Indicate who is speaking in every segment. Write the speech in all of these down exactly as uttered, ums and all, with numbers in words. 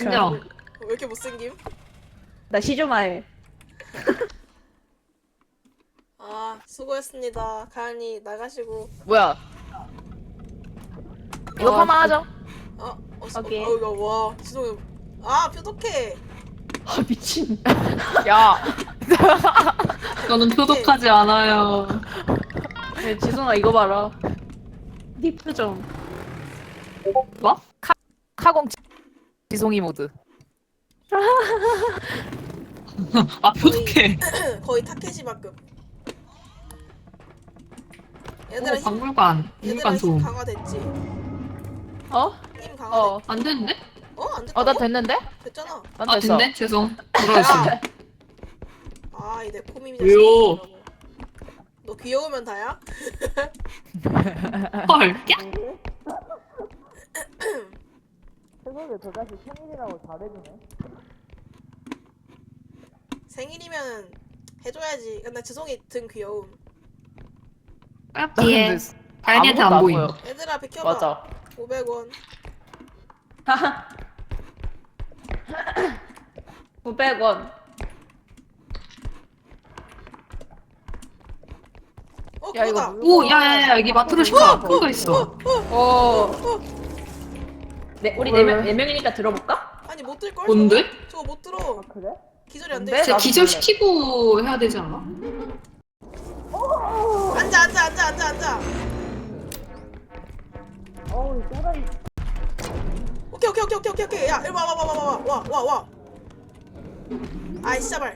Speaker 1: 인정.
Speaker 2: 왜 이렇게 못생김?
Speaker 3: 나 시조마에.
Speaker 2: 아 수고했습니다. 가은이 나가시고.
Speaker 1: 뭐야? 이거
Speaker 3: 어,
Speaker 1: 파마 하죠?
Speaker 2: 어? 어, 어,
Speaker 3: 오케이.
Speaker 2: 어, 이거 와 지성이. 아 표독해.
Speaker 3: 아 미친.
Speaker 1: 야,
Speaker 4: 저는 표독하지 않아요.
Speaker 3: 야, 지성아 이거 봐라. 니 표정.
Speaker 1: 뭐? 카 카공 지송이 모드.
Speaker 4: 아, 표독해.
Speaker 2: 거의 타케시만큼. 얘들아
Speaker 4: 어,
Speaker 2: 힘,
Speaker 4: 박물관.
Speaker 2: 얘들아
Speaker 4: 박물관
Speaker 2: 힘
Speaker 4: 좀.
Speaker 2: 강화됐지?
Speaker 3: 어?
Speaker 2: 힘 강화됐.
Speaker 3: 어.
Speaker 4: 안 됐는데?
Speaker 2: 어? 안 됐다고?
Speaker 1: 어, 나 됐는데?
Speaker 2: 됐잖아.
Speaker 1: 난
Speaker 4: 아,
Speaker 1: 됐어.
Speaker 4: 됐네? 죄송. 돌아왔어.
Speaker 2: 아, 이내 코미미
Speaker 4: 왜요?
Speaker 2: 자식이라고. 너 귀여우면 다야?
Speaker 4: 헐. 야!
Speaker 3: 세상에 저 자식 생일이라고 잘해주네.
Speaker 2: 생일이면 해줘야지. 근데 지성이 등 귀여움.
Speaker 4: 딱 뒤에.
Speaker 1: 근데
Speaker 4: 다현이한테
Speaker 1: 아무것도
Speaker 4: 안 보임.
Speaker 1: 보여.
Speaker 2: 얘들아 비켜봐.
Speaker 1: 맞아.
Speaker 2: 오백 원.
Speaker 3: 오백 원.
Speaker 2: 어
Speaker 1: 야, 이거
Speaker 2: 그거다.
Speaker 4: 오, 야, 야, 야, 여기 마트로시카. 큰 거 있어.
Speaker 3: 어. 네, 우리
Speaker 1: 왜,
Speaker 3: 네 명,
Speaker 1: 왜?
Speaker 3: 네 명이니까 들어볼까?
Speaker 2: 아니 못 들걸?
Speaker 4: 뭔데?
Speaker 2: 저거, 저거 못 들어.
Speaker 3: 그래?
Speaker 2: 기절이 안 돼.
Speaker 1: 뭔데?
Speaker 2: 있어.
Speaker 4: 진짜
Speaker 1: 나도
Speaker 4: 기절시키고 해야 되지 않아?
Speaker 2: 앉아 앉아 앉아 앉아 앉아.
Speaker 3: 어우, 짜라이.
Speaker 2: 오케이 오케이 오케이 오케이 오케이 오케이. 야 일로 와와 와 와 와 와 와 와. 아이 씨발.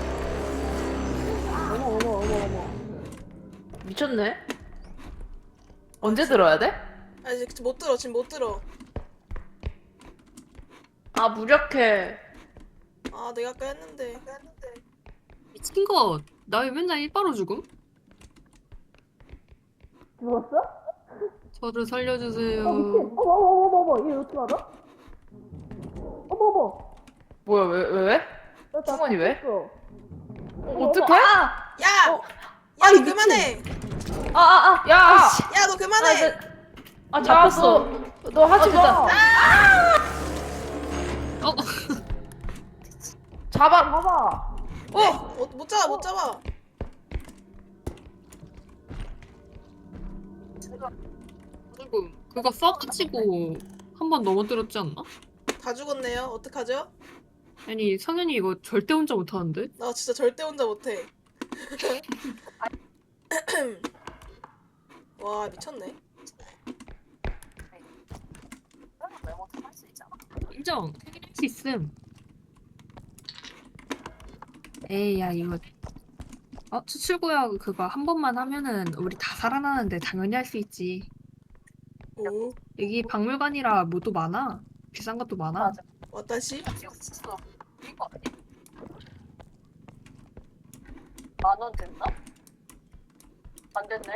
Speaker 3: 어머, 어머, 어머, 어머.
Speaker 1: 미쳤네. 언제 들어야 돼?
Speaker 2: 아 이제 못 들어 지금 못 들어.
Speaker 3: 아, 무력해.
Speaker 2: 아 내가 아까 했는데. 아까 했는데.
Speaker 4: 미친 거. 나 왜 맨날 일바로 죽음?
Speaker 3: 죽었어?
Speaker 4: 저를 살려주세요.
Speaker 3: 어, 미친. 어머, 어머, 어머, 어머. 얘 어떻게 알아? 어머, 어머.
Speaker 1: 뭐야, 왜, 왜, 왜?
Speaker 3: 나
Speaker 1: 승원이 왜?
Speaker 3: 죽었어.
Speaker 1: 어떡해?
Speaker 3: 아!
Speaker 2: 야.
Speaker 3: 어.
Speaker 2: 야
Speaker 3: 아이,
Speaker 2: 너 그만해.
Speaker 3: 아, 아, 아.
Speaker 1: 야!
Speaker 2: 야 너 그만해.
Speaker 3: 아, 나- 아, 잡혔어.
Speaker 1: 너, 너 하지
Speaker 3: 아,
Speaker 1: 마.
Speaker 4: 어,
Speaker 1: 잡아.
Speaker 3: 봐봐.
Speaker 2: 어, 어, 못 잡아 못 잡아.
Speaker 4: 조금. 그거 써가지고 한 번 넘어뜨렸지 않나?
Speaker 2: 다 죽었네요. 어떡하죠?
Speaker 4: 아니, 성현이 이거 절대 혼자 못하는데?
Speaker 2: 나 진짜 절대 혼자 못해. 와 미쳤네.
Speaker 4: 인정. 할 수 있음. 에이, 야, 이거. 어, 추출구역 그거 한 번만 하면은 우리 다 살아나는데 당연히 할 수 있지.
Speaker 2: 오
Speaker 4: 여기 박물관이라 뭐도 많아. 비싼 것도 많아.
Speaker 2: 와타시?
Speaker 3: 만원 됐나? 안 됐네.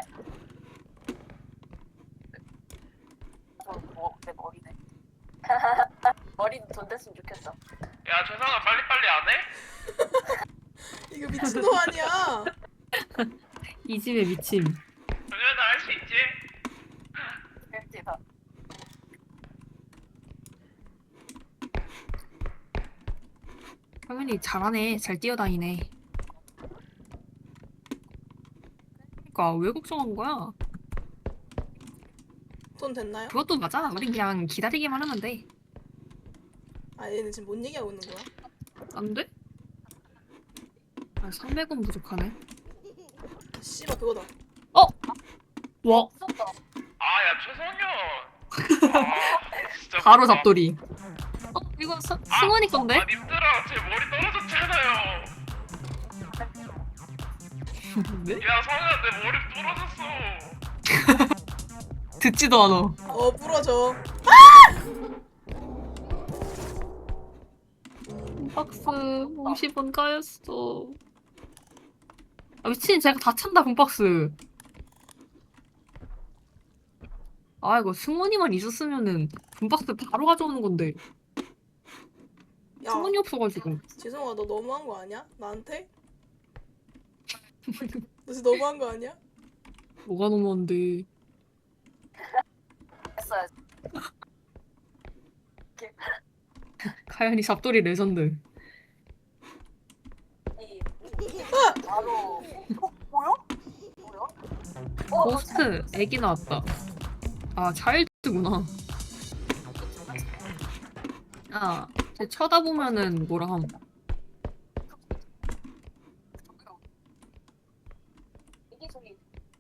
Speaker 3: 뭐, 내 머리네. 머리는 돈 됐으면 좋겠어.
Speaker 5: 야, 재상아 빨리빨리 안 해?
Speaker 2: 이거 미친놈 아니야?
Speaker 4: 이 집의 미침.
Speaker 5: 정연아 할 수 있지?
Speaker 3: 됐지다.
Speaker 4: 성현이 잘하네. 잘 뛰어다니네. 그니까 왜 걱정한 거야?
Speaker 2: 돈 됐나요?
Speaker 4: 그것도 맞아. 우린 그냥 기다리기만 하면 돼.
Speaker 2: 아 얘는 지금 뭔 얘기하고 있는 거야?
Speaker 4: 안 돼? 아, 삼백 원 부족하네.
Speaker 2: 아, 씨발 그거다.
Speaker 4: 와,
Speaker 5: 아, 야, 최성현. 아, 진짜.
Speaker 4: 바로
Speaker 5: 뭐야.
Speaker 4: 잡돌이. 어, 이거 서, 승원이 건데?
Speaker 5: 아, 님들아, 제 머리 떨어졌잖아요.
Speaker 4: 네?
Speaker 5: 야, 성현아, 내 머리 부러졌어.
Speaker 4: 듣지도 않아.
Speaker 2: 어 부러져.
Speaker 4: 박스 오십 원 까였어. 아, 미친, 제가 다 찬다, 분박스. 아, 이거 승원이만 있었으면은 분박스 바로 가져오는 건데.
Speaker 2: 야
Speaker 4: 승원이 없어가지고.
Speaker 2: 지성아 너 너무한 거 아니야? 나한테? 너 진짜 너무한 거 아니야?
Speaker 4: 뭐가 너무한데.
Speaker 3: 했어야지.
Speaker 4: 가연이 잡돌이 레전드.
Speaker 3: 바로 어 뭐야? 뭐야? 어
Speaker 4: 고스트 애기 나왔다. 아 차일드구나. 아, 쟤 쳐다보면은 뭐라 함.
Speaker 3: 이게 저기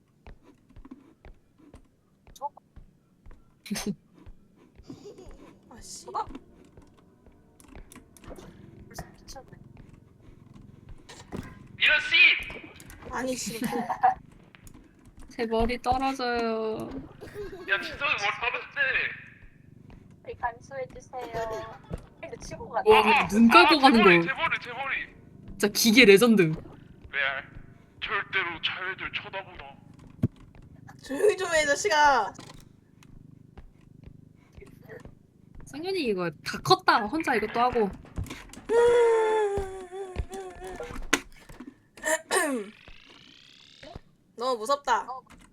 Speaker 2: 아씨.
Speaker 3: 벌써 미쳤네.
Speaker 5: 이런 씨!
Speaker 2: 아니 씨.
Speaker 4: 제 머리 떨어져요.
Speaker 5: 야 진성이 뭘 받았대.
Speaker 3: 우리 간수해주세요. 근데 치고 가.
Speaker 4: 와, 눈 깔고 가는
Speaker 5: 제 머리,
Speaker 4: 거.
Speaker 5: 제 머리 제 머리.
Speaker 4: 진짜 기계 레전드.
Speaker 5: 레알. 절대로 자애들 쳐다보나.
Speaker 2: 조용히 좀 해, 자식아.
Speaker 4: 승윤이 이거 다 컸다. 혼자 이것도 하고.
Speaker 2: 너무 무섭다.
Speaker 3: 어,